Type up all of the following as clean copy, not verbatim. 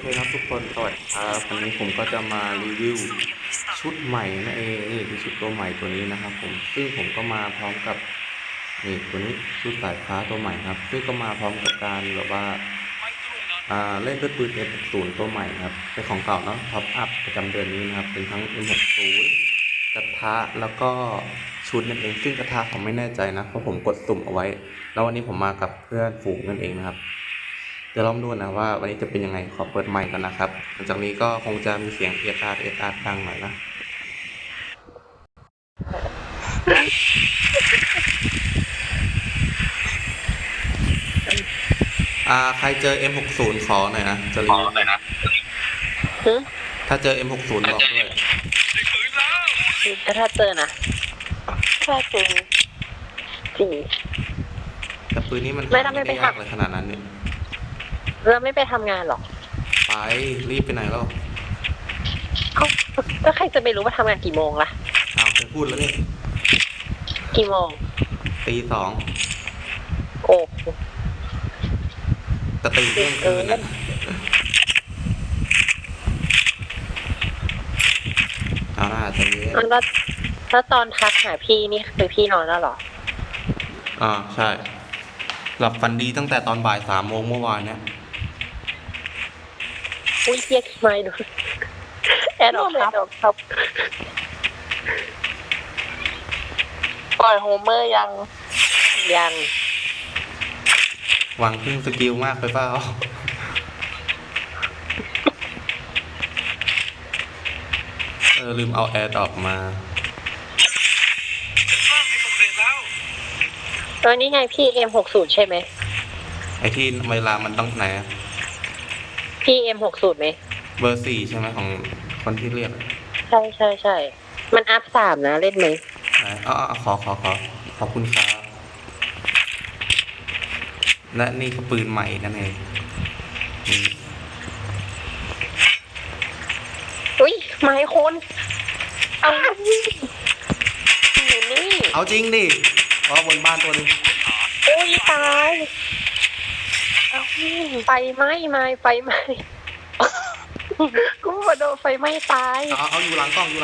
เคครับทุกคนสวัสดีครับวันนี้ผมก็จะมารีวิวชุดใหม่นั่นเองนี่คือชุดตัวใหม่ตัวนี้นะครับผมซึ่งผมก็มาพร้อมกับนี่ตัวนี้ชุดสายฟ้าตัวใหม่ครับซึ่งก็มาพร้อมกับการแบบว่าเล่นด้วยปืน M60 ตัวใหม่ครับเป็นของเก่าเนาะท็อปอัพประจำเดือนนี้นะครับเป็นทั้ง M60 กระทะแล้วก็ชุดนั่นเองซึ่งกระทะผมไม่แน่ใจนะเพราะผมกดสุ่มเอาไว้แล้ววันนี้ผมมากับเพื่อนฝูงนั่นเองนะครับเดี๋ยวลองดูนะว่าวันนี้จะเป็นยังไงขอเปิดไมค์กันนะครับหลังจากนี้ก็คงจะมีเสียงเออาร์ดังหน่อยนะใครเจอ M60 ขอหน่อยนะจะรีวิวถ้าเจอ M60 บอกด้วยถ้าเจอนะถ้าเจอจริงแต่ปืนนี้มันไม่ได้ยากเลยขนาดนั้นเนี่ยเราไม่ไปทำงานหรอกไปรีบไปไหนแล้วก็ใครจะไปรู้ว่าทำงานกี่โมงล่ะเคยพูดแล้วนี่กี่โมงตีสองโอ้แต่ตีเที่ยงคืนนะเอาหน้าใจเย็นแล้วตอนทักหาพี่นี่คือพี่นอนแล้วหรอใช่หลับฝันดีตั้งแต่ตอนบ่าย3 โมงเมื่อวานเนี่ยอุ้ยเรียกไม่ดูแอนออกครับปล่อยโฮเมอร์ยังหวังพึ่งสกิลมากไปเปล่าลืมเอาแอร์ดรอปมานี่ไงพี่ M60 ใช่ไหมไอที่เวลามันต้องไหนพี่ M60 ไหมเบอร์ 4ใช่ไหมของคนที่เรียกใช่มันอัพ3นะเล่นไหมขอขอบคุณครับและนี่คือปืนใหม่นั่นเองอุ้ยไม้คนเอานี่เอาจริงดิเพราะบนบ้านตัวนึงอุ้ยตายไฟไหม้กูมาโดนไฟไหม้ตายเอาอยู่หลังกล้อง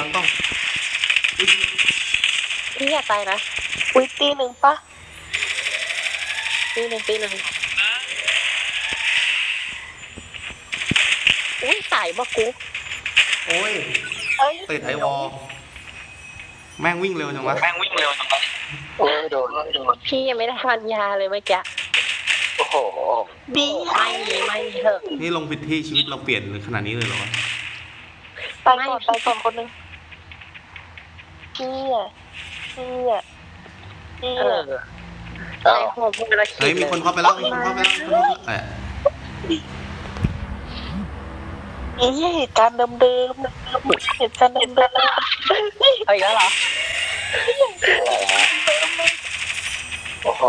พี่อย่าตายนะอุ้ยตีหนึ่งปะตีหนึ่งอุ้ยตายบ่กูโอ้ยติดไอวอลแม่งวิ่งเร็วจังวะโอ้ยโดนพี่ยังไม่ได้ทานยาเลยเมื่อกี้โอ้โหดีไม่เถอะนี่ลงผิดที่ชีวิตเราเปลี่ยนขนาดนี้เลยเหรอตายก่อนคนนึงพี่ไอ้หัวมึงละคิดมีคนเข้าไปแล้วเหตุการณ์เดิมเอาอีกแล้วเหรอโอ้โห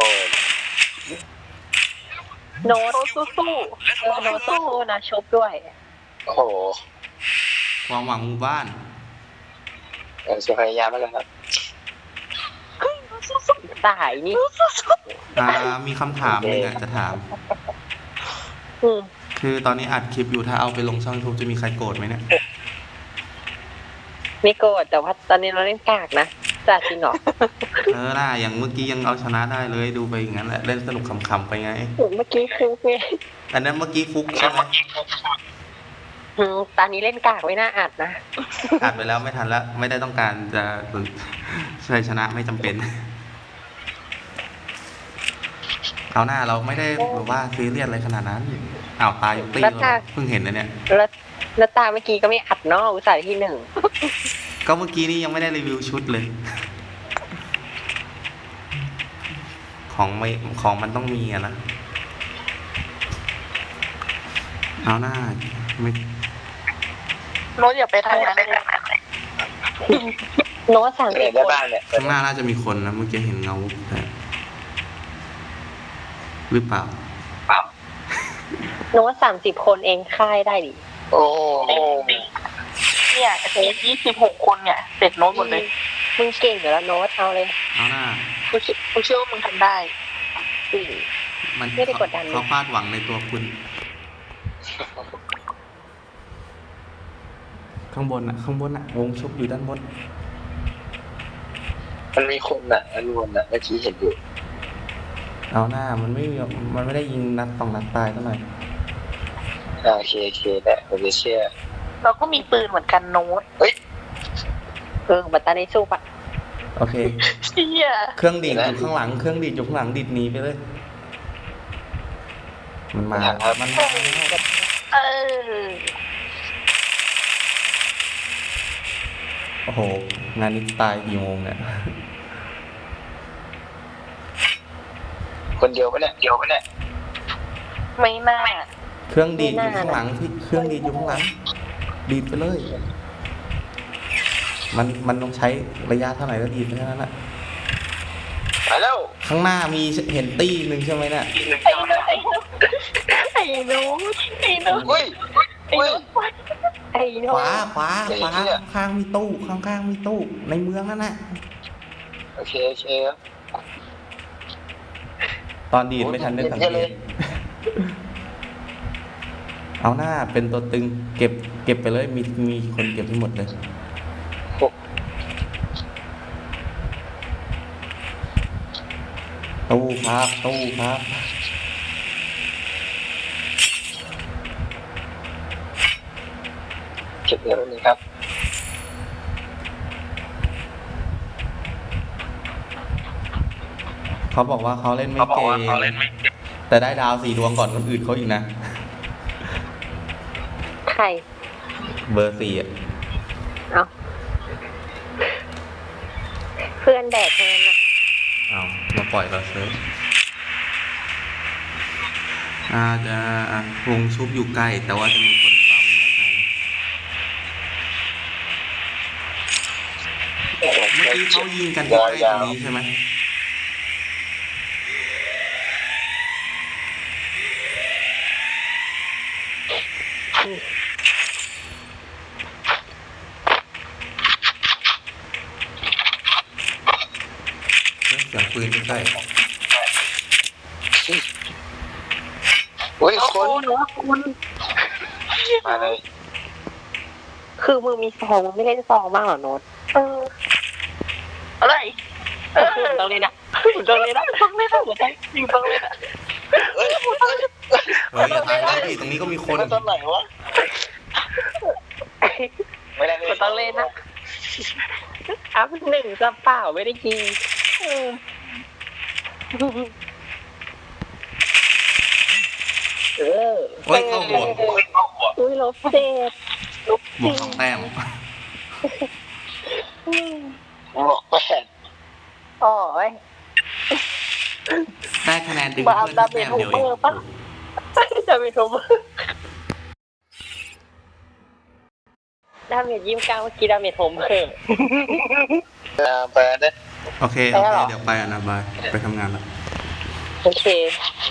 โน้ตสู้นะชบด้วยโอ้โหความหวังหมู่บ้านสุพยายามแล้วกันครับตายนี่มีคำถามนึงจะถามคือตอนนี้อัดคลิปอยู่ถ้าเอาไปลงช่องยูทูบจะมีใครโกรธไหมเนี่ยไม่โกรธแต่ว่าตอนนี้เราเล่นกากนะจ่าจริงเหรอน่าอย่างเมื่อกี้ยังเอาชนะได้เลยดูไปอย่างนั้นแหละเล่นสนุกขำๆไปไงเมื่อกี้ฟุกไงอันนั้นเมื่อกี้ฟุกใช่ไหมตอนนี้เล่นกากไม่น่าอัดนะอัดไปแล้วไม่ทันแล้วไม่ได้ต้องการจะชัยชนะไม่จำเป็นเอาหน้าเราไม่ได้แบบว่าซีเรียสอะไรขนาดนั้นตายตีเพิ่งเห็นนะเนี่ยแล้วตาเมื่อกี้ก็ไม่อัดเนาะอุตส่าห์ที่1 ก็เมื่อกี้นี้ยังไม่ได้รีวิวชุดเลยของมันต้องมีนะเอาหน้าไม่โน้ตอย่าไปทางนั้นโน้ตสั่งเองข้างหน้าน่าจะมีคนนะเมื่อกี้เห็นเงาหรือเปล่าโน้ต30 คนเองค่ายได้ดิโอ้เนี่ย26 คนเนี่ยเสร็จโน้ตหมดเลยมึงเก่งอยู่แล้วโน้ตเอาเลยเอาหน้ากูเชื่อว่ามึงทำได้มันไม่ได้กดดันเขาคาดหวังในตัวคุณข้างบนอ่ะ ข้างบนอ่ะ วงชุบอยู่ด้านบนมันมีคนอ่ะอันวนอ่ะเมื่อกี้เห็นอยู่เอาหน้ามันไม่ได้ยิงนัด2 นัดตายเท่าไหร่โอเคได้ผมจะเชื่อเราก็มีปืนเหมือนกันโน้ตบัตตาในสู้ปะโอเคเชี่ยเครื่องดีดอยู่ข้างหลัง เครื่องดีดอยู่ข้างหลังดีดหนีไปเลย มันมา มันมาเออโอ้โห งานนี้ตายกี่โมงเนี่ยคนเดียวปะเนี่ยไม่น่าเครื่องดีดอยู่ข้างหลังที่เครื่องดีดอยู่ข้างหลัง ดีดไปเลย มันต้องใช้ระยะเท่าไหร่ก็ดีดไปเท่านั้นแหละไปแล้วข้างหน้ามีเห็นตี้หนึ่งใช่ไหมเนี่ยไอ้โน้ตไอ้โน้ตอุ้ยไอ้โน้ตไอ้โน้ขตวาไอ้เหี้ยข้างๆมีตู้ ข้างๆมีตู้ ในเมืองนั่นแหละโอเคครับตอนดีดไม่ทันได้สังเกเห็นเลตยเอาหน้าเป็นตัวตึง เก็บไปเลย มีคนเก็บให้หมดเลย ตู้ครับเก็บเงินนี่ครับเขาบอกว่าเขาเล่นไม่เก่ง แต่ได้ดาว4 ดวงก่อนคนอื่นเขาอีกนะใครเบอร์ 4อ่ะเอาเพื่อนแดกเงินอ่ะเอามาปล่อยเราเซิร์ฟจะวงชุบอยู่ใกล้ แต่ว่าจะมีคนเปล่าไม่แน่ใจนะเมื่อกี้เขายิงกันที่ใกล้ตรงนี้ใช่ไหมเสียงปืนใกล้อุ้ยคนโน้ตคุณมาเลยคือมึงมีซองมึงไม่เล่นซองบ้างเหรอโน้ตอะไรมึงต้องเล่นนะมึงต้องเล่นนะต้องไม่ต้องหัวใจยิงต้องเลยนะเฮ้ยเฮ้ยอย่าตายเลยดิตรงนี้ก็มีคนตอนไหนวะไม่ได้เลยมึงต้องเล่นนะอัพ1จะเปล่าไม่ได้ยิงเออเฮ้ยเข้าบวกอุ้ยลบเจ็ดบวก2 แต้มบอก8 โอ้ยได้คะแนนดึงมาเพื่อนดาแค่เมจแต้มโฮเดียวเอเมอง ร์ปะจะเป็นโฮเมอร์ดาเมจ29เมื่อกี้ดาเมจโฮเมอร์ไปนะโอเคไปแล้วเหรอเดี๋ยวไปอ่ะนะบาย ไปทำงานแล้วโอเค